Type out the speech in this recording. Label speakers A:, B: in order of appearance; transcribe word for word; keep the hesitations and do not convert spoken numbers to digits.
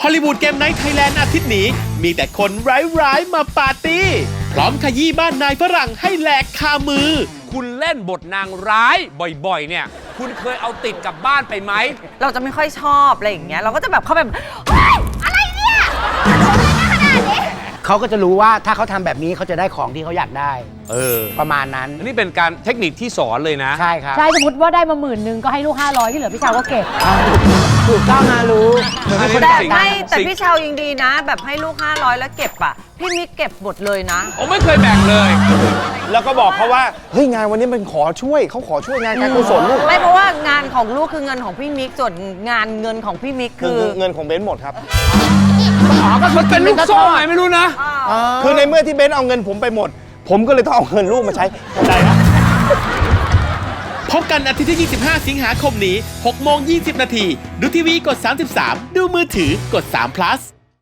A: อลลีวูดเกมไนท์ไทยแลนด์อาทิตย์นี้มีแต่คนร้ายๆมาปาร์ตี้พร้อมขยี้บ้านนายฝรั่งให้แหลกคามือ
B: คุณเล่นบทนางร้ายบ่อยๆเนี่ยคุณเคยเอาติดกลับบ้านไปไหม
C: เราจะไม่ค่อยชอบอะไรอย่างเงี้ยเราก็จะแบบเขาแบบเฮ้ยอะไรเนี่ย
D: เขาก็จะรู้ว่าถ้าเขาทำแบบนี้เขาจะได้ของที่เขาอยากได้
B: เออ
D: ประมาณนั้น
B: อันนี้เป็นการเทคนิคที่สอนเลยนะ
D: ใช่ครับ
E: ใช่สมมติว่าได้มาหมื่นหนึ่งก็ให้ลูกห้าร้อยที่เหลือพี่ชาวก็เก็บ
D: ถูกต้องนะรู้
C: แต่ไม่แต่พี่ชาวยังดีนะ แบบให้ลูกห้าร้อยแล้วเก็บอ่ะพี่มิกเก็บหมดเลยนะ
B: โอ้ไม่เคยแบ่งเลย
F: แล้วก็บอกเขาว่าเฮ้ยงานวันนี้มันขอช่วยเขาขอช่วยงานการกุศลลูก
C: ไม่เพราะว่างานของลูกคือเงินของพี่มิกส่วนงานเงินของพี่มิกคือ
F: เงินของเบนซ์หมดครับ
B: อ๋อก็มันเป็นลูกโซ่ไงไม่รู้นะ
F: คือในเมื่อที่เบนซ์เอาเงินผมไปหมดผมก็เลยต้องเอาเงินลูกมาใช้เข้าใจนะ
A: พบกันอาทิตย์ที่ ยี่สิบห้า สิงหาคมนี้ หกโมงยี่สิบนาทีดูทีวีกด สามสิบสาม ดูมือถือกด สาม พลัส